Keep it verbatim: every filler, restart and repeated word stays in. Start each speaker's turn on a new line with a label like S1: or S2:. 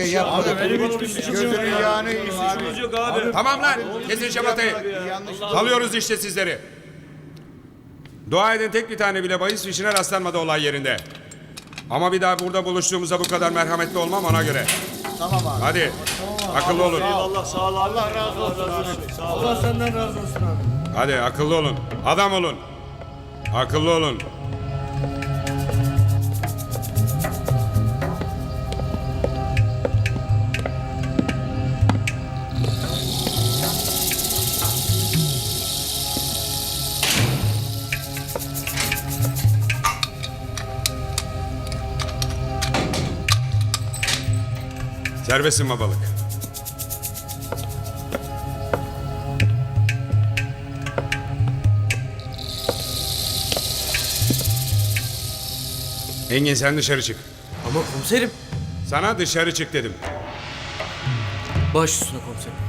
S1: şey yapmadık.
S2: Abi benim hiçbir suçum yok.
S1: Gözünün yağını
S2: Hiçbir suçumuz yok abi.
S3: Tamam lan. Kesin şamatayı. Salıyoruz işte sizleri. Dua edin tek bir tane bile bahis fişine rastlanmadı olay yerinde. Ama bir daha burada buluştuğumuzda bu kadar merhametli olmam ona göre.
S1: Tamam abi.
S3: Hadi. Akıllı olun.
S2: Eyvallah sağ ol abi. Allah razı olsun abi. Sağ ol. Allah senden razı olsun abi.
S3: Hadi akıllı olun. Adam olun. Akıllı olun. Serbestsin babalık. Engin sen dışarı çık.
S4: Ama komiserim.
S3: Sana dışarı çık dedim.
S4: Baş üstüne komiserim.